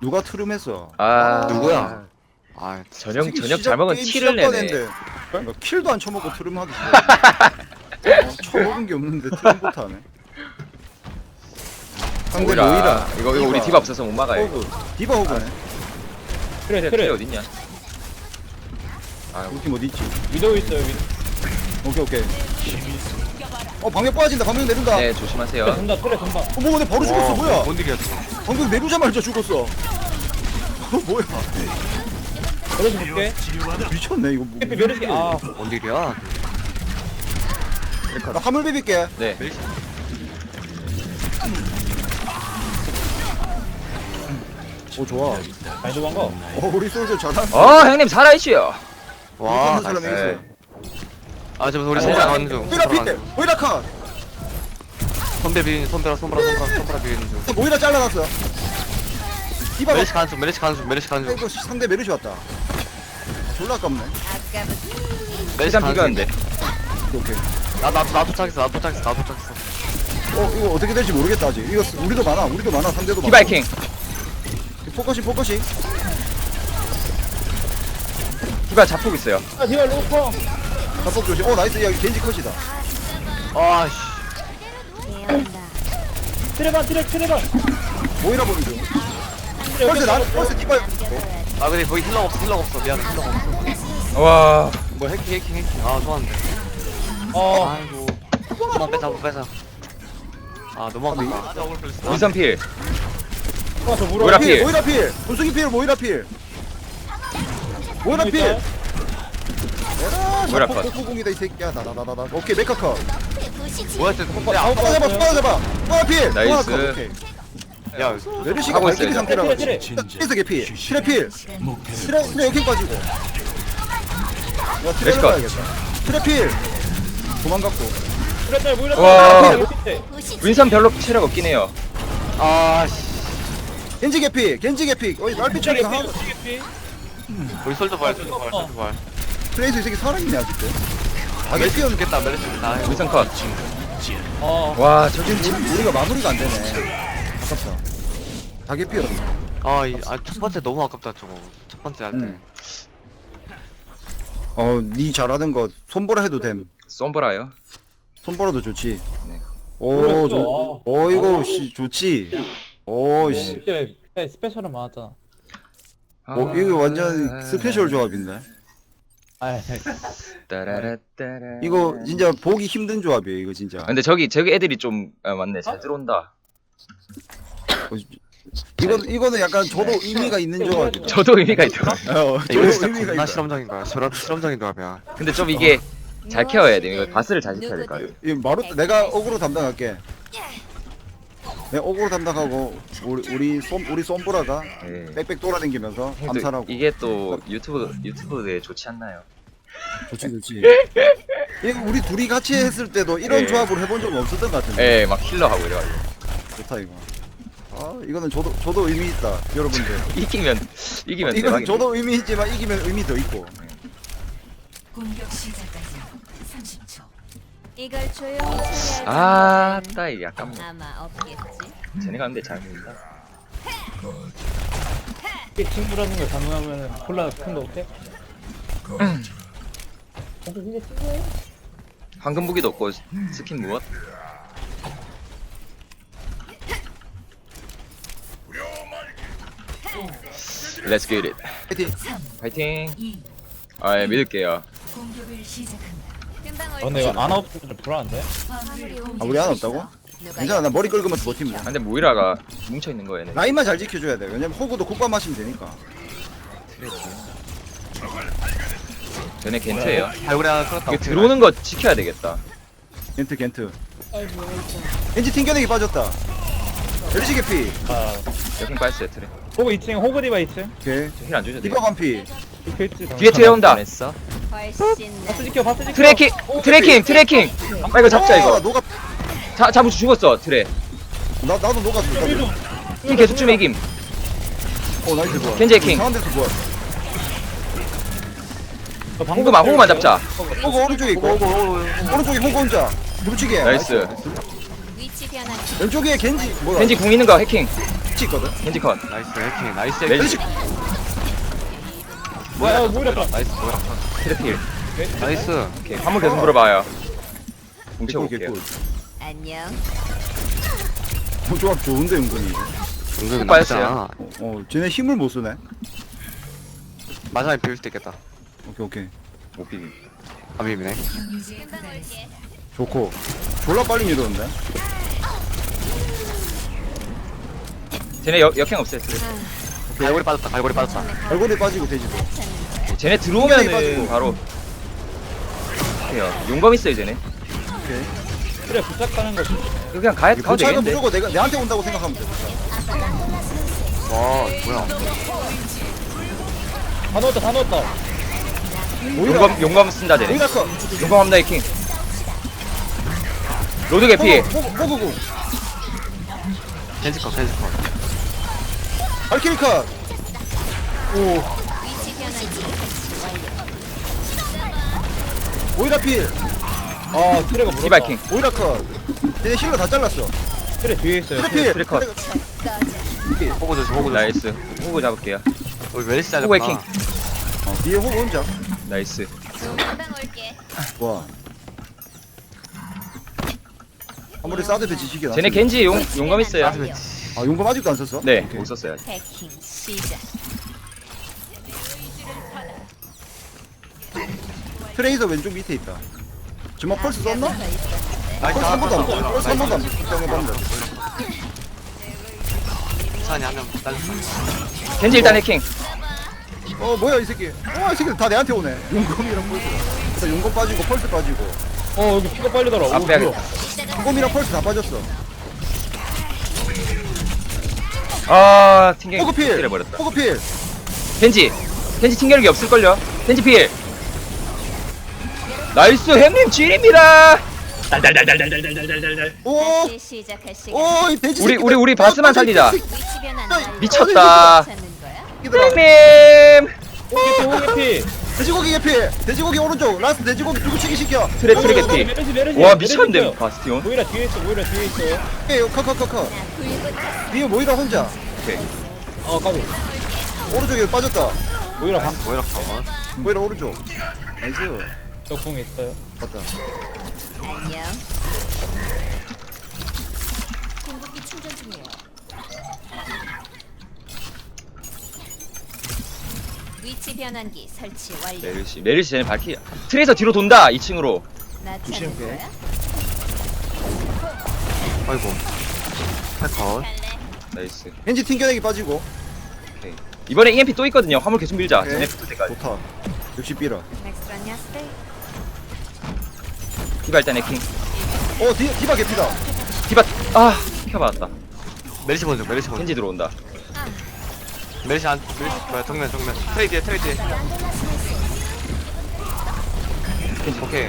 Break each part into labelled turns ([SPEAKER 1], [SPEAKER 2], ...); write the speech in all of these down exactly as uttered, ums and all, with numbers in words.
[SPEAKER 1] 누가 트름했어?
[SPEAKER 2] 아
[SPEAKER 3] 누구야? 아
[SPEAKER 2] 저녁
[SPEAKER 1] 새끼
[SPEAKER 2] 저녁
[SPEAKER 1] 시작-
[SPEAKER 2] 잘 먹은
[SPEAKER 1] 게임
[SPEAKER 2] 티를 내네.
[SPEAKER 1] 시작반인데 그러니까 킬도 안 쳐먹고 트름하기 싫어. 어, 쳐먹은 게 없는데 트름부터 하네. 상대
[SPEAKER 2] 오이라.
[SPEAKER 1] 오이라.
[SPEAKER 2] 이거 이거 우리 디바 없어서 못 막아요.
[SPEAKER 1] 호그. 디바 호그네.
[SPEAKER 4] 그래
[SPEAKER 2] 트레
[SPEAKER 4] 그래
[SPEAKER 2] 어딨냐? 아
[SPEAKER 1] 우리 팀 어디 있지?
[SPEAKER 4] 위도우 있어요 위도우.
[SPEAKER 1] 오케이 오케이. 어 방역 빠진다. 방역 내린다.
[SPEAKER 2] 네
[SPEAKER 4] 트레
[SPEAKER 2] 조심하세요.
[SPEAKER 4] 돈다 트레 돈다.
[SPEAKER 1] 어, 뭐 근데 바로 죽었어. 뭐야?
[SPEAKER 3] 뭔 일이야 저거.
[SPEAKER 1] 방금 내리자마자 죽었어. 어, 뭐야?
[SPEAKER 4] 그래서 볼게.
[SPEAKER 1] 미쳤네 이거. 뭐,
[SPEAKER 4] 해피 메르시 아
[SPEAKER 3] 뭔 일이야?
[SPEAKER 1] 나 화물 비빌게.
[SPEAKER 2] 네.
[SPEAKER 1] 오 좋아.
[SPEAKER 4] 많이 도망가.
[SPEAKER 1] 어 우리 솔저 잘한다.
[SPEAKER 2] 어 형님 살아있지요.
[SPEAKER 3] 와.
[SPEAKER 1] 사람이
[SPEAKER 2] 나이스.
[SPEAKER 1] 있어.
[SPEAKER 3] 아 지금 우리
[SPEAKER 4] 아니,
[SPEAKER 3] 손가락
[SPEAKER 4] 아니,
[SPEAKER 3] 가는 중.
[SPEAKER 1] 오이라 피트. 오이라 컷.
[SPEAKER 3] 손배 비는 손배라 손가락 손가락 손가락 비는 중.
[SPEAKER 1] 오이라 잘라놨어. 디바
[SPEAKER 3] 메르시 가는 중. 메르시 가는 중. 메르시 가는 중.
[SPEAKER 1] 이거 상대 메르시 왔다. 아, 졸라 아깝네.
[SPEAKER 3] 메르시
[SPEAKER 2] 일단
[SPEAKER 3] 가는 중.
[SPEAKER 2] 비교한데.
[SPEAKER 1] 오케이.
[SPEAKER 3] 나 나 나 도착했어. 나 도착했어. 나 도착했어.
[SPEAKER 1] 어 이거 어떻게 될지 모르겠다 아직. 이거 쓰- 우리도 많아. 우리도 많아. 상대도 많아.
[SPEAKER 2] 디바이킹.
[SPEAKER 1] 포커싱 포커싱.
[SPEAKER 2] 디바 잡폭 있어요.
[SPEAKER 4] 아 디바 로커.
[SPEAKER 1] 잡폭 조심. 어 나이스. 야 겐지 컷이다.
[SPEAKER 3] 아 씨.
[SPEAKER 4] 트레반 트레 트레반.
[SPEAKER 1] 모이라 보는 중.
[SPEAKER 4] 트레
[SPEAKER 1] 펄스 나
[SPEAKER 4] 여기
[SPEAKER 1] 펄스 디바.
[SPEAKER 3] 아 근데 거기 힐러가 없어. 힐러가 없어. 미안해. 힐러가 없어.
[SPEAKER 2] 와.
[SPEAKER 3] 뭐 해킹 해킹 해킹. 아 좋았는데.
[SPEAKER 4] 어
[SPEAKER 3] 아이고. 한번 빼자 한번 빼자. 아 너무 아깝다. 아 저걸 걸렸어.
[SPEAKER 2] 윈선필.
[SPEAKER 4] 어, 저 물어.
[SPEAKER 2] 뭐라 필.
[SPEAKER 1] 모이라 필. 분수기 필. 모이라 필. 모이라 필. 에라.
[SPEAKER 2] 모이라
[SPEAKER 1] 잡폭
[SPEAKER 2] 컷.
[SPEAKER 1] 폭풍공이다 이 새끼야. 나나나나. 오케이 메카 컷.
[SPEAKER 3] 뭐야 쟤. 야
[SPEAKER 1] 잡아 잡아 잡아 잡아. 모이라 필.
[SPEAKER 2] 나이스.
[SPEAKER 1] 모이라 컷. 오케이.
[SPEAKER 3] 야.
[SPEAKER 1] 메르시가
[SPEAKER 2] 하고
[SPEAKER 1] 발키리
[SPEAKER 2] 있어요,
[SPEAKER 1] 상태라
[SPEAKER 4] 트레
[SPEAKER 1] 가지고.
[SPEAKER 4] 트레.
[SPEAKER 1] 트레스 개피. 트레 필. 트레 트레 여기 빠지고. 야 트레
[SPEAKER 2] 메르시 컷.
[SPEAKER 1] 가야겠다. 트레 필. 도망갔고.
[SPEAKER 4] 트레 트레 모이라.
[SPEAKER 2] 와.
[SPEAKER 4] 트레.
[SPEAKER 2] 윈선 별로 체력 없긴 해요.
[SPEAKER 3] 아 씨.
[SPEAKER 1] 겐지 개피. 겐지 개피. 어이 날빛
[SPEAKER 4] 트레
[SPEAKER 1] 처리가 하나.
[SPEAKER 4] 개피.
[SPEAKER 3] 우리 솔더 발 솔더 발 솔더 발.
[SPEAKER 1] 트레이서 이 새끼 살아있네 아직도.
[SPEAKER 3] 아 메르시 죽겠다. 메르시 죽겠다.
[SPEAKER 2] 윈선 컷.
[SPEAKER 4] 어.
[SPEAKER 2] 와 저기
[SPEAKER 1] 지금 우리, 우리가 마무리가 안 되네. 아깝다. 다 개피였어.
[SPEAKER 3] 아이아첫 번째 너무 아깝다 저거. 첫 번째 할 때.
[SPEAKER 1] 응. 어, 니 잘하는 거 손보라 해도 됨.
[SPEAKER 2] 솜브라요.
[SPEAKER 1] 손보라도 좋지.
[SPEAKER 2] 네.
[SPEAKER 1] 오,
[SPEAKER 4] 그랬어.
[SPEAKER 1] 저, 어 이거 씨 좋지. 오, 씨.
[SPEAKER 4] 그때 그때 스페셜은 많았잖아.
[SPEAKER 1] 어, 이거 완전 스페셜 조합인데.
[SPEAKER 4] 아
[SPEAKER 2] 따라라따라.
[SPEAKER 1] 이거 진짜 보기 힘든 조합이에요, 이거 진짜.
[SPEAKER 2] 근데 저기 저기 애들이 좀 아, 맞네 잘 들어온다.
[SPEAKER 1] 어, 이거 이거는 약간 저도 의미가 있는 조합이다.
[SPEAKER 2] 저도 의미가 있더라고요.
[SPEAKER 1] 어, 저도
[SPEAKER 3] 이거 진짜
[SPEAKER 1] 의미가
[SPEAKER 3] 겁나
[SPEAKER 1] 있다.
[SPEAKER 3] 실험적인 거야. 실험 실험적인 조합이야.
[SPEAKER 2] 근데 좀 이게 잘 케어해야 돼. 이거 바스를 잘 지켜야 될 거 아니에요.
[SPEAKER 1] 이 마루 내가 어그로 담당할게. 내가 어그로 담당하고 우리 우리 솜 우리 솜보라가
[SPEAKER 2] 네.
[SPEAKER 1] 빽빽 돌아다니면서
[SPEAKER 2] 또
[SPEAKER 1] 암살하고.
[SPEAKER 2] 이게 또 유튜브 유튜브에 좋지 않나요?
[SPEAKER 1] 좋지 좋지. 이거 우리 둘이 같이 했을 때도 이런
[SPEAKER 2] 예.
[SPEAKER 1] 조합으로 해본 적 없었던 것 같은데.
[SPEAKER 2] 예, 막 힐러 하고 이래가지고
[SPEAKER 1] 좋다 이거. 아 이거는 저도 저도 의미 있다 여러분들.
[SPEAKER 2] 이기면 이기면
[SPEAKER 1] 이거는
[SPEAKER 2] 대박인데.
[SPEAKER 1] 저도 의미 있지만 이기면 의미 더 있고.
[SPEAKER 5] 공격 시작까지 삼십 초. 이걸 조용히 처리할
[SPEAKER 2] 아,
[SPEAKER 5] 생각은
[SPEAKER 2] 따 이게 약간 뭐
[SPEAKER 5] 아마 없겠지.
[SPEAKER 2] 쟤네가 근데 잘 모른다.
[SPEAKER 4] 이게 친구라는 걸 가능하면 콜라 큰 거 없대? 근데 친구예요?
[SPEAKER 2] 황금 무기도 없고 스킨 무엇? Let's get it.
[SPEAKER 1] 파이팅.
[SPEAKER 2] 파이팅. 아, 예, 믿을게요.
[SPEAKER 5] 공격을 시작한다. 금방 올
[SPEAKER 4] 아 근데 이거 아나 없으면 좀 불안한데?
[SPEAKER 5] 화물이
[SPEAKER 1] 아 우리 하나 없다고? 괜찮아 나 머리 긁으면서 버티면 돼.
[SPEAKER 2] 아, 근데 모이라가 뭉쳐 있는 거예요. 얘네.
[SPEAKER 1] 라인만 잘 지켜줘야 돼. 왜냐면 호구도 국밥 마시면 되니까.
[SPEAKER 2] 쟤네 겐트예요.
[SPEAKER 3] 발굴이 하나 끌었다.
[SPEAKER 2] 이게 들어오는 거 지켜야 되겠다.
[SPEAKER 1] 겐트 겐트. 겐지 튕겨내기 빠졌다. 에르시 개피.
[SPEAKER 4] 아
[SPEAKER 2] 여긴 빠졌어요, 트레.
[SPEAKER 4] 호그 이 층 호그 디바 이 층
[SPEAKER 1] 오케이.
[SPEAKER 2] 힐안 주셔도 돼요.
[SPEAKER 1] 디바 반피.
[SPEAKER 4] 이페이트
[SPEAKER 2] 뒤에 트레 온다.
[SPEAKER 3] 했어?
[SPEAKER 5] 훨씬
[SPEAKER 4] 바스 지켜 바스 지켜
[SPEAKER 2] 트래킹, 트래킹, 트래킹. 아 이거 잡자
[SPEAKER 1] 어,
[SPEAKER 2] 이거.
[SPEAKER 1] 녹아.
[SPEAKER 2] 자, 잡으 죽었어, 트레.
[SPEAKER 1] 나 나도 녹았어. 나도.
[SPEAKER 2] 킹 계속 좀 이김.
[SPEAKER 1] 어 나이스 좋아.
[SPEAKER 2] 겐지 해킹.
[SPEAKER 1] 이상한 데서 좋아.
[SPEAKER 2] 호그만, 호그만 잡자.
[SPEAKER 1] 호구 오른쪽에 있고. 오른쪽에 호구 혼자. 누르치게.
[SPEAKER 2] 나이스.
[SPEAKER 5] 위치 변환기.
[SPEAKER 1] 왼쪽에 겐지 뭐야?
[SPEAKER 2] 겐지 궁 있는 거 해킹.
[SPEAKER 1] 치 있거든.
[SPEAKER 2] 겐지 컷.
[SPEAKER 3] 나이스 해킹 나이스
[SPEAKER 2] 멜시
[SPEAKER 3] 해킹
[SPEAKER 4] 뭐야 뭐야 봐.
[SPEAKER 3] 나이스 뭐야
[SPEAKER 2] 트래필.
[SPEAKER 3] 나이스
[SPEAKER 2] 오케이. 화물 계속 물어봐요. 궁
[SPEAKER 1] 개꿀
[SPEAKER 2] 채워볼게요.
[SPEAKER 1] 개꿀.
[SPEAKER 5] 안녕.
[SPEAKER 1] 어, 조합 좋은데 은근히.
[SPEAKER 3] 은근
[SPEAKER 2] 빠졌어요.
[SPEAKER 3] 나쁘잖아.
[SPEAKER 1] 어, 어 쟤네 힘을 못 쓰네.
[SPEAKER 3] 마지막에 비울 수도 있겠다
[SPEAKER 1] 오케이 오케이.
[SPEAKER 2] 못 비빔.
[SPEAKER 3] 아 비비네
[SPEAKER 5] 금방 올게.
[SPEAKER 1] 좋고. 졸라 빨리 밀었는데.
[SPEAKER 2] 쟤네 역, 역행 없어요.
[SPEAKER 3] 갈고리 빠졌다 갈고리 빠졌다
[SPEAKER 1] 얼굴에 빠지고 돼지도.
[SPEAKER 2] 쟤네
[SPEAKER 1] 빠지고.
[SPEAKER 2] 들어오면은 바로 해요. 용검 있어요 쟤네.
[SPEAKER 1] 오케이.
[SPEAKER 4] 그래 부착하는 거지.
[SPEAKER 2] 이거 그냥 가, 가도
[SPEAKER 1] 도착은
[SPEAKER 2] 되겠는데.
[SPEAKER 1] 무조건 내가 내한테 온다고 생각하면 돼.
[SPEAKER 3] 와 뭐야
[SPEAKER 4] 다 넣었다 다 넣었다.
[SPEAKER 1] 오히려
[SPEAKER 2] 용검 용검 쓴다 쟤네.
[SPEAKER 1] 오히려 커.
[SPEAKER 2] 용검 합니다 해킹. 로드 개피.
[SPEAKER 1] 호구구.
[SPEAKER 3] 캔지컷 캔지컷
[SPEAKER 1] 알키리 컷. 오.
[SPEAKER 5] 위치 변환기.
[SPEAKER 1] 오히려 필.
[SPEAKER 4] 아 트레가 물었다.
[SPEAKER 2] 디바이킹.
[SPEAKER 1] 오히려 컷. 얘네 힐러 다 잘랐어.
[SPEAKER 4] 트레 뒤에 있어요.
[SPEAKER 1] 트레 필.
[SPEAKER 2] 트레 컷.
[SPEAKER 5] 꺼져.
[SPEAKER 3] 호구 조심 호구 조심
[SPEAKER 2] 나이스. 호구 잡을게요.
[SPEAKER 3] 우리 멜시
[SPEAKER 2] 호구
[SPEAKER 3] 잘렸구나
[SPEAKER 2] 해킹.
[SPEAKER 1] 어, 뒤에 호구 혼자.
[SPEAKER 2] 나이스.
[SPEAKER 5] 금방 올게.
[SPEAKER 1] 와. 아무리 싸도 지식이 나.
[SPEAKER 2] 쟤네 겐지 용 용검 있어요.
[SPEAKER 1] 아 용검 아직도 안 썼어?
[SPEAKER 2] 네,
[SPEAKER 1] 오케이.
[SPEAKER 2] 못 썼어요.
[SPEAKER 5] 해킹 시작.
[SPEAKER 1] 트레이서 왼쪽 밑에 있다. 주먹 펄스 썼나?
[SPEAKER 5] 더 있었는데.
[SPEAKER 3] 나이스
[SPEAKER 1] 펄스 한 번도 안
[SPEAKER 3] 나이스
[SPEAKER 1] 썼어. 펄스 한 번도 안 썼어.
[SPEAKER 3] 찬이 한명 딸렸어
[SPEAKER 2] 겐지 일단 해킹.
[SPEAKER 1] 어 뭐야 이 새끼. 와이 새끼들 다 내한테 오네. 용검이랑 펄스. 일단 용검 빠지고 펄스 빠지고.
[SPEAKER 4] 어 여기 피가 빨리더라. 오,
[SPEAKER 2] 앞에
[SPEAKER 4] 뭐야.
[SPEAKER 2] 하겠다.
[SPEAKER 1] 용검이랑 펄스 다 빠졌어.
[SPEAKER 2] 아 튕겨.
[SPEAKER 1] 호그필.
[SPEAKER 2] 튕겨버렸다.
[SPEAKER 1] 호그필.
[SPEAKER 2] 겐지. 겐지 튕겨력이 없을걸요. 겐지 필. 나이스 햄님 질입니다. 달달달달달달달달달.
[SPEAKER 1] 오.
[SPEAKER 5] 다시 시작할 시간.
[SPEAKER 1] 오, 이 돼지
[SPEAKER 2] 우리
[SPEAKER 1] 새끼들.
[SPEAKER 2] 우리 우리 바스만
[SPEAKER 1] 아,
[SPEAKER 2] 살리자.
[SPEAKER 1] 돼지
[SPEAKER 5] 위치 변환
[SPEAKER 1] 야,
[SPEAKER 5] 완료.
[SPEAKER 2] 미쳤다.
[SPEAKER 5] 찾는 거야?
[SPEAKER 1] 새끼들아.
[SPEAKER 2] 햄님.
[SPEAKER 4] 호게피 호게피.
[SPEAKER 1] 돼지고기 개피. 돼지고기 오른쪽. 라스트 돼지고기 누구치기 시켜.
[SPEAKER 2] 트레 트레 개피.
[SPEAKER 4] 메르시 메르시.
[SPEAKER 2] 와
[SPEAKER 4] 메르시
[SPEAKER 2] 미쳤네
[SPEAKER 4] 있어요.
[SPEAKER 2] 바스티온.
[SPEAKER 4] 모이라 뒤에 있어 모이라 뒤에 있어요.
[SPEAKER 1] 오케이, 컷컷컷컷.
[SPEAKER 5] 나 불붙었어.
[SPEAKER 1] 뒤에 모이라 혼자.
[SPEAKER 2] 오케이.
[SPEAKER 4] 어 까비.
[SPEAKER 1] 오른쪽에 빠졌다.
[SPEAKER 4] 모이라 방.
[SPEAKER 3] 뭐이라 컷
[SPEAKER 1] 모이라 오른쪽. 나이스.
[SPEAKER 4] 저궁 있어요.
[SPEAKER 1] 맞다.
[SPEAKER 5] 안녕. 공급기 충전 중이에요. 위치 변환기 설치 완료.
[SPEAKER 2] 메르시 메르시 쟤네 발키. 트레이서 뒤로 돈다 이 층으로.
[SPEAKER 5] 나 찾는
[SPEAKER 1] 조심해.
[SPEAKER 5] 거야?
[SPEAKER 3] 아이고 패컷
[SPEAKER 5] 갈래?
[SPEAKER 2] 나이스.
[SPEAKER 1] 겐지 튕겨내기 빠지고.
[SPEAKER 2] 오케이. 이번에 이엠피 또 있거든요. 화물 계속 밀자.
[SPEAKER 1] 오케이.
[SPEAKER 2] 쟤네 붙을 때까지.
[SPEAKER 1] 좋다. 역시 삐라.
[SPEAKER 5] 넥스트라냐 스테이.
[SPEAKER 2] 디바 일단 해킹.
[SPEAKER 1] 어, 디, 디바 개피다.
[SPEAKER 2] 디바 아 켜봤다.
[SPEAKER 3] 멜시 먼저 멜시 먼저
[SPEAKER 2] 겐지 들어온다.
[SPEAKER 3] 멜시 안 멜시 뭐야 정면 정면 트레이 뒤에 트레이 뒤에 오케이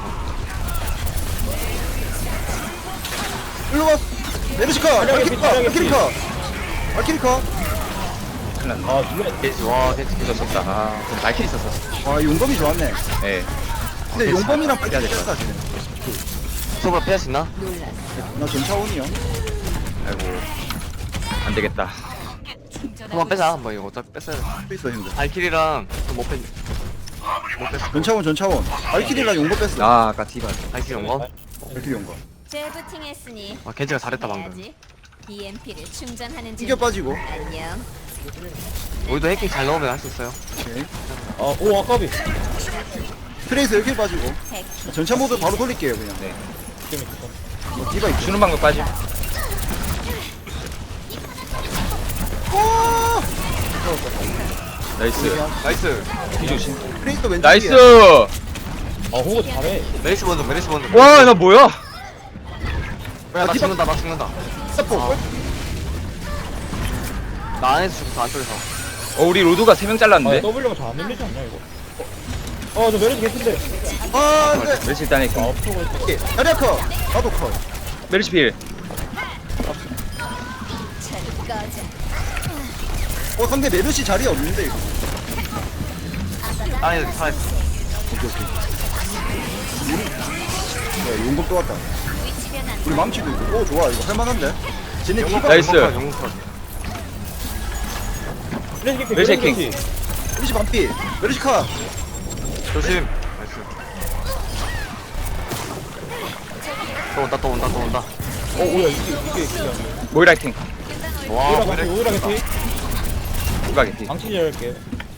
[SPEAKER 1] 일로 와. 메르시카.
[SPEAKER 4] 자리야 개피,
[SPEAKER 1] 알키리카.
[SPEAKER 4] 자리야 개피.
[SPEAKER 1] 알키리카. 알키리카.
[SPEAKER 2] 큰일 났네.
[SPEAKER 4] 아 누가
[SPEAKER 3] 겐지 와 겐지
[SPEAKER 2] 이거 졌다. 아, 좀 발키리 있었어.
[SPEAKER 1] 아, 용검이 좋았네.
[SPEAKER 2] 예.
[SPEAKER 1] 근데 용검이랑 빨리
[SPEAKER 2] 해야 될
[SPEAKER 1] 뺐다, 쟤네.
[SPEAKER 3] 소브라 피할 수 있나?
[SPEAKER 5] 놀랐어.
[SPEAKER 1] 나 전차원이요.
[SPEAKER 2] 아이고. 안 되겠다.
[SPEAKER 3] 한번 빼자 한번 이거 어차피 뺐어야 돼
[SPEAKER 1] 뺐어, 형들.
[SPEAKER 3] 알킬이랑 못 뺐.. 못 뺐어
[SPEAKER 1] 전차원, 전차원. 알키리랑 용검 뺐어.
[SPEAKER 2] 아, 아까 디바.
[SPEAKER 3] 알킬 온거?
[SPEAKER 1] 알키리 용검.
[SPEAKER 5] 재부팅했으니
[SPEAKER 3] 아 겐지가 잘했다 방금
[SPEAKER 5] 해야지. 이엠피를 충전하는 중.
[SPEAKER 1] 튕겨 빠지고.
[SPEAKER 5] 안녕.
[SPEAKER 3] 우리도 해킹 잘 넣으면 할 수 있어요
[SPEAKER 1] 오케이.
[SPEAKER 4] 아오 아까비.
[SPEAKER 1] 트레이서 이렇게 빠지고.
[SPEAKER 5] 해킹.
[SPEAKER 1] 전차 모드 바로 돌릴게요, 그냥.
[SPEAKER 2] 네.
[SPEAKER 4] 지금 있어.
[SPEAKER 1] 어, 디바 있죠.
[SPEAKER 2] 주는 방법 빠짐.
[SPEAKER 1] 오!
[SPEAKER 2] 나이스.
[SPEAKER 3] 나이스
[SPEAKER 2] 뒤조심.
[SPEAKER 1] 트레이서 왼쪽.
[SPEAKER 2] 나이스.
[SPEAKER 4] 아 호그 잘해.
[SPEAKER 3] 메리시 먼저 메리시 먼저
[SPEAKER 2] 와, 나 뭐야?
[SPEAKER 3] 야, 나 죽는다 나 죽는다
[SPEAKER 1] 서포.
[SPEAKER 3] 나 안에서 죽었어 안쪽에서
[SPEAKER 2] 어, 우리 로드가 세 명
[SPEAKER 4] 아
[SPEAKER 2] 잘랐는데.
[SPEAKER 4] W가 잘안 밀리지 않냐 이거. 어저 메르시 개인데.
[SPEAKER 1] 아, 안 돼.
[SPEAKER 2] 메르시 일단
[SPEAKER 4] 아
[SPEAKER 2] 해킹.
[SPEAKER 4] 없어고 있어.
[SPEAKER 1] 오케이. 자리야 컷. 나도 컷.
[SPEAKER 2] 메르시 필.
[SPEAKER 5] 저리 꺼져.
[SPEAKER 1] 어, 상대 메르시 자리 없는데, 이거.
[SPEAKER 3] 안에 살아있어
[SPEAKER 1] 오케이, 오케이. 야, 용검 또 왔다.
[SPEAKER 5] 위치 변환
[SPEAKER 1] 우리 망치도 있고. 오 좋아 이거 할만한데. 쟤네 디바.
[SPEAKER 2] 나이스.
[SPEAKER 3] 영웅컷.
[SPEAKER 4] 메르시 개피
[SPEAKER 2] 메르시
[SPEAKER 4] 메르시
[SPEAKER 2] 킹.
[SPEAKER 4] 개피.
[SPEAKER 1] 메르시 반피. 메르시 카.
[SPEAKER 3] 조심. 나이스. 또 온다 또 온다 또 온다.
[SPEAKER 4] 어 뭐야 이게 이게 진짜
[SPEAKER 2] 모이라 킹.
[SPEAKER 3] 와
[SPEAKER 4] 오이라
[SPEAKER 3] 그래.
[SPEAKER 4] 개피 오이라 개피.
[SPEAKER 2] 디바 개피.
[SPEAKER 4] 망치 열게.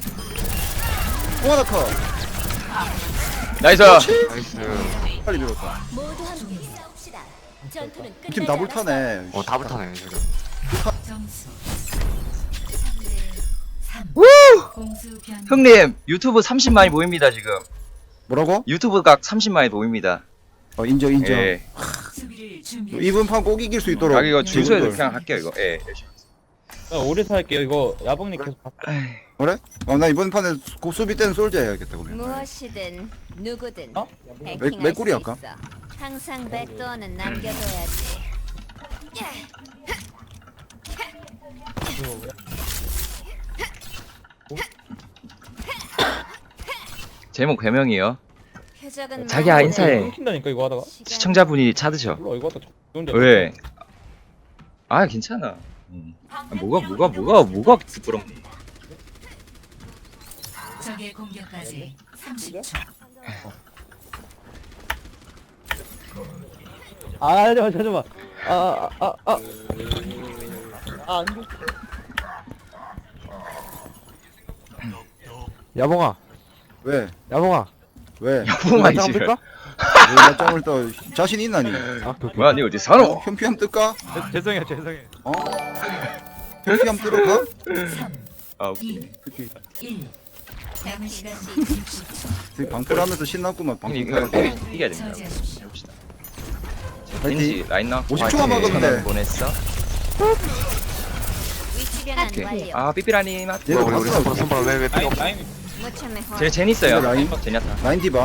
[SPEAKER 1] 홍하나 카.
[SPEAKER 2] 나이스.
[SPEAKER 3] 나이스.
[SPEAKER 1] 빨리 밀었다.
[SPEAKER 5] 모두 함께 싸웁시다. 전투는 끝나지
[SPEAKER 1] 팀 다불
[SPEAKER 5] 않았어.
[SPEAKER 1] 타네.
[SPEAKER 3] 어 다 붙하네 지금.
[SPEAKER 6] 점수 삼 대 삼.
[SPEAKER 2] 우!
[SPEAKER 6] 공수 변
[SPEAKER 2] 형님 유튜브 삼십만이 보입니다 지금.
[SPEAKER 1] 뭐라고?
[SPEAKER 2] 유튜브 각 삼십만이 보입니다.
[SPEAKER 1] 어 인정 인정.
[SPEAKER 2] 예.
[SPEAKER 6] 수비를 준비.
[SPEAKER 1] 이번 판 꼭 이길 수 있도록.
[SPEAKER 2] 아 이거 준수해서
[SPEAKER 1] 지금들.
[SPEAKER 2] 그냥 할게요 이거. 예. 열심히.
[SPEAKER 4] 나 오리사 할게요. 이거 야봉님 계속 봐.
[SPEAKER 1] 그래? 어, 나 이번 판에 고 수비 때는 솔져 해야겠다 그러면.
[SPEAKER 5] 무엇이든 누구든
[SPEAKER 4] 어?
[SPEAKER 5] 해킹할
[SPEAKER 1] 맥- 맥구리
[SPEAKER 5] 수
[SPEAKER 1] 할까?
[SPEAKER 5] 있어. 항상 백도어는 남겨둬야지.
[SPEAKER 2] 제목 배명이요.
[SPEAKER 5] 표적은
[SPEAKER 2] 자기야,
[SPEAKER 5] 많은데
[SPEAKER 2] 인사해.
[SPEAKER 4] 끊긴다니까 이거 하다가.
[SPEAKER 5] 시간-
[SPEAKER 2] 시청자분이 찾으셔.
[SPEAKER 4] 몰라 이거 하다가 좋은데.
[SPEAKER 2] 왜? 아 괜찮아. 음. 아, 뭐가 뭐가 뭐가 뭐가 부끄럽니?
[SPEAKER 6] 적의 공격까지 삼십 초.
[SPEAKER 4] 아 잠깐만 잠깐만. 아아아 아. 아, 아, 안 돼. 야봉아,
[SPEAKER 1] 왜?
[SPEAKER 4] 야봉아.
[SPEAKER 1] 왜?
[SPEAKER 2] 야봉아
[SPEAKER 4] 짱
[SPEAKER 2] 이제.
[SPEAKER 4] 뜰까?
[SPEAKER 1] 왜 낮잠을 떠? 자신 있나니?
[SPEAKER 4] 아, 오케이, 오케이.
[SPEAKER 2] 뭐야 니 어디
[SPEAKER 1] 어?
[SPEAKER 2] 살아?
[SPEAKER 1] 현피함 뜰까?
[SPEAKER 4] 죄- 죄송해요, 죄송해요.
[SPEAKER 1] 어? 현피함 뜰까?
[SPEAKER 6] 삼,
[SPEAKER 2] 아 오케이.
[SPEAKER 6] 일. 남은 시간 육십 초.
[SPEAKER 1] 되게 방풀하면서 신났구만
[SPEAKER 2] 형님
[SPEAKER 1] 방풀.
[SPEAKER 2] 이거 이겨- 이겨야 됩니다.
[SPEAKER 6] 저지하십시오.
[SPEAKER 2] 해봅시다.
[SPEAKER 1] 파이팅.
[SPEAKER 2] 왠지 라인 나.
[SPEAKER 1] 오십 초가 막았는데.
[SPEAKER 2] 보냈어.
[SPEAKER 5] 위치 변환
[SPEAKER 2] 오케이.
[SPEAKER 5] 완료.
[SPEAKER 2] 아 삐삐라니 맛.
[SPEAKER 1] 얘가
[SPEAKER 3] 우리 우리
[SPEAKER 1] 봤어.
[SPEAKER 3] 선발 선발 왜왜 필요
[SPEAKER 4] 라인,
[SPEAKER 3] 없어?
[SPEAKER 4] 라인.
[SPEAKER 5] 무참해 호.
[SPEAKER 2] 제 제니 있어요.
[SPEAKER 1] 근데 라인?
[SPEAKER 2] 제니아타.
[SPEAKER 1] 라인 디바.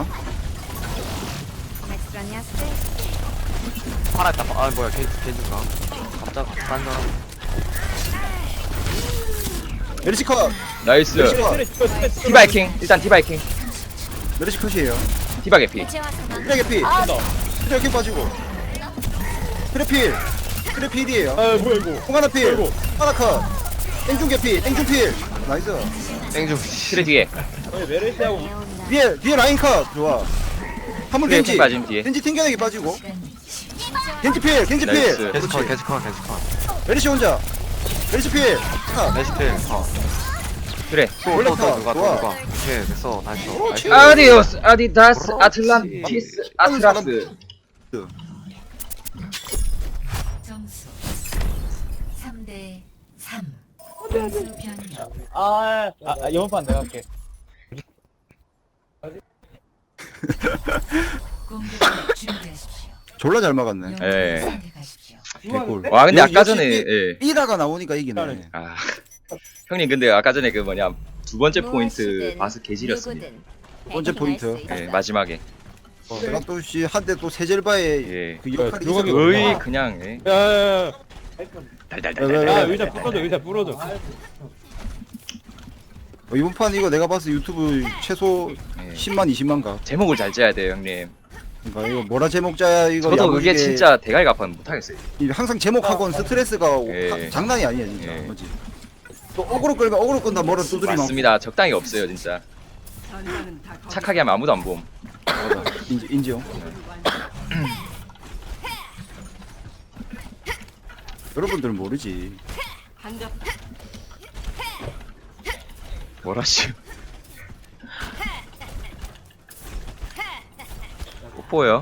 [SPEAKER 5] 맥스라니아스.
[SPEAKER 3] 팔았다. 아 뭐야 겐 겐지가. 갑자기 딴 사람.
[SPEAKER 1] 메르시 컷.
[SPEAKER 2] 나이스.
[SPEAKER 1] 메르시 컷.
[SPEAKER 4] 트레, 트레, 트레, 트레.
[SPEAKER 2] 디바이킹 일단 디바이킹.
[SPEAKER 1] 메르시 컷이에요.
[SPEAKER 2] 디바 개피.
[SPEAKER 5] 해체와 상황.
[SPEAKER 1] 트레 개피.
[SPEAKER 4] 간다.
[SPEAKER 1] 트레 개 빠지고. 트레 필. 트레 필이에요.
[SPEAKER 4] 아 뭐야 이거.
[SPEAKER 1] 홍하나 필.
[SPEAKER 4] 아이고.
[SPEAKER 1] 하나 컷. 땡중 개피. 땡중 필. 나이스.
[SPEAKER 3] 땡중.
[SPEAKER 2] 트레 뒤에.
[SPEAKER 4] 아니 메르시하고
[SPEAKER 5] 배운다.
[SPEAKER 1] 뒤에 뒤에 라인 컷. 좋아. 한번
[SPEAKER 2] 트레
[SPEAKER 1] 겐지.
[SPEAKER 2] 킹 빠짐 뒤에.
[SPEAKER 1] 겐지 튕겨내기 빠지고. 겐지 필. 겐지 필.
[SPEAKER 2] 나이스.
[SPEAKER 3] 겐지컷 겐지컷 겐지컷.
[SPEAKER 1] 메르시 혼자. 메르시 필. 컷.
[SPEAKER 3] 레시필. 어.
[SPEAKER 2] 그래.
[SPEAKER 1] 올라타.
[SPEAKER 3] 또또 누가 또
[SPEAKER 1] 좋아.
[SPEAKER 3] 누가. 오케이 됐어 나이스.
[SPEAKER 1] 그렇지.
[SPEAKER 3] 나이스.
[SPEAKER 2] 아디오스 아디다스
[SPEAKER 3] 그렇지.
[SPEAKER 2] 아틀란티스 아트라스.
[SPEAKER 6] 점수 삼 대 삼. 공수 변경.
[SPEAKER 4] 아, 아, 아 이번 판 내가 할게.
[SPEAKER 6] 공격을 준비하십시오.
[SPEAKER 1] 졸라 잘 막았네.
[SPEAKER 2] 예.
[SPEAKER 6] 선택하십시오.
[SPEAKER 1] 개꿀.
[SPEAKER 2] 와 근데
[SPEAKER 1] 여기
[SPEAKER 2] 아까 전에
[SPEAKER 1] 역시
[SPEAKER 2] 예.
[SPEAKER 1] 삐라가 나오니까 이기네.
[SPEAKER 2] 아 형님 근데 아까 전에 그 뭐냐 두 번째 포인트
[SPEAKER 5] 무엇이든
[SPEAKER 2] 바스 개지렸습니다.
[SPEAKER 5] 누구든
[SPEAKER 1] 두 번째
[SPEAKER 5] 해킹할
[SPEAKER 1] 포인트.
[SPEAKER 5] 수 있어.
[SPEAKER 2] 예 마지막에
[SPEAKER 1] 내가 또씨 한대 또 세젤바의
[SPEAKER 2] 예.
[SPEAKER 1] 그 역할이
[SPEAKER 4] 누가
[SPEAKER 1] 있어.
[SPEAKER 2] 거의 그냥 예.
[SPEAKER 4] 야야야.
[SPEAKER 1] 왜, 왜,
[SPEAKER 2] 달달달달.
[SPEAKER 4] 아
[SPEAKER 1] 왜?
[SPEAKER 4] 의자 부러져, 의자 부러져.
[SPEAKER 1] 어, 이번 판 이거 내가 봤을 때 유튜브 최소
[SPEAKER 2] 예.
[SPEAKER 1] 십만 이십만 가.
[SPEAKER 2] 제목을 잘 짜야 돼요 형님.
[SPEAKER 1] 그러니까 이거 뭐라 제목자야 이거.
[SPEAKER 2] 저도
[SPEAKER 1] 야무지게
[SPEAKER 2] 그게 진짜 대가리 갚아 못하겠어요.
[SPEAKER 1] 이 항상 제목하고는 스트레스가
[SPEAKER 2] 예.
[SPEAKER 1] 하- 장난이 아니야 진짜.
[SPEAKER 2] 예.
[SPEAKER 1] 맞지? 또 어그로 끌면 어그로 끈다 뭐라 두드리면.
[SPEAKER 2] 맞습니다. 적당히 없어요 진짜. 착하게 하면 아무도 안 봄.
[SPEAKER 1] 맞아. 인지 인지요. 여러분들은 모르지.
[SPEAKER 2] 뭐라시. 못 보여.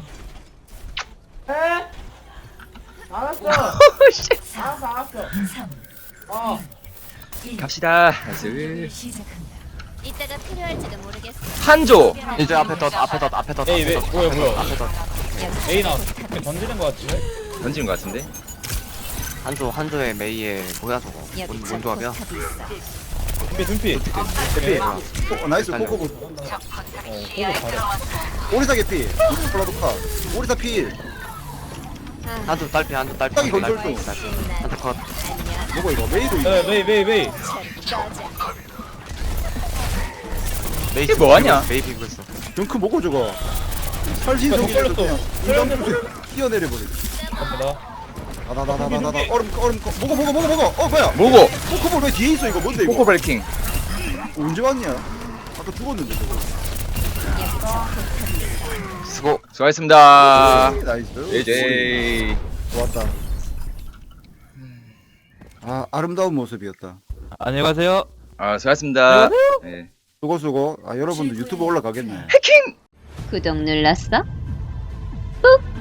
[SPEAKER 4] 알았어. 알았어, 알았어.
[SPEAKER 6] 삼,
[SPEAKER 4] 어.
[SPEAKER 6] 일.
[SPEAKER 2] 갑시다.
[SPEAKER 6] 공격을
[SPEAKER 2] 나이스.
[SPEAKER 6] 시작합니다.
[SPEAKER 5] 이따가 필요할지도 모르겠어.
[SPEAKER 2] 한조.
[SPEAKER 3] 이제 앞에 덧 앞에 덧 앞에 덧.
[SPEAKER 4] 에이, 왜,
[SPEAKER 3] 앞에 덧,
[SPEAKER 4] 뭐야,
[SPEAKER 3] 앞에
[SPEAKER 4] 뭐야.
[SPEAKER 3] 덧, 앞에 덧.
[SPEAKER 4] 에이 나 던지는 거 같은데.
[SPEAKER 2] 던지는 것 같은데.
[SPEAKER 3] 한조 한조의 메이의 뭐야 저거.
[SPEAKER 5] 여기
[SPEAKER 3] 뭔, 뭔 조합이야?
[SPEAKER 5] 포탑이 있어.
[SPEAKER 4] 준비, 준비.
[SPEAKER 1] 개피. 어, 나이스 코코보. 오리사 개피. 콜라도카. 오리사 필.
[SPEAKER 5] 아,
[SPEAKER 3] 한조 딸피 한조 딸피.
[SPEAKER 1] 딱이
[SPEAKER 3] 한조
[SPEAKER 1] 건설도.
[SPEAKER 3] 딸피, 딸피. 한조 컷.
[SPEAKER 5] 안녕.
[SPEAKER 1] 뭐가 이거 메이도 있네.
[SPEAKER 4] 에, 메이, 메이, 메이.
[SPEAKER 5] 전 꺼져.
[SPEAKER 3] 메이
[SPEAKER 2] 이게 뭐하냐?
[SPEAKER 3] 메이 비고 있어.
[SPEAKER 1] 덩크 먹고 저거. 살신
[SPEAKER 4] 야,
[SPEAKER 1] 속에서
[SPEAKER 4] 더 걸렸어.
[SPEAKER 1] 그냥 인간 뛰어내려 버리네.
[SPEAKER 4] 갑니다.
[SPEAKER 1] 나나나나나나 얼음 얼음 거- 먹어 먹어 먹어 먹어. 어 뭐야?
[SPEAKER 2] 뭐고?
[SPEAKER 1] 코코볼 왜 뒤에 있어 이거 뭔데 이거?
[SPEAKER 2] 코코 브레이킹.
[SPEAKER 1] 언제 왔냐? 아까 죽었는데 저거.
[SPEAKER 2] 수고 수고하셨습니다.
[SPEAKER 1] 나이스.
[SPEAKER 2] 제이제이.
[SPEAKER 1] 좋았다. 아 아름다운 모습이었다.
[SPEAKER 4] 안녕히 가세요.
[SPEAKER 2] 아 수고하셨습니다. 네.
[SPEAKER 1] 수고 수고. 아 여러분도 유튜브 올라가겠네.
[SPEAKER 5] 구독 눌렀어? 꾹.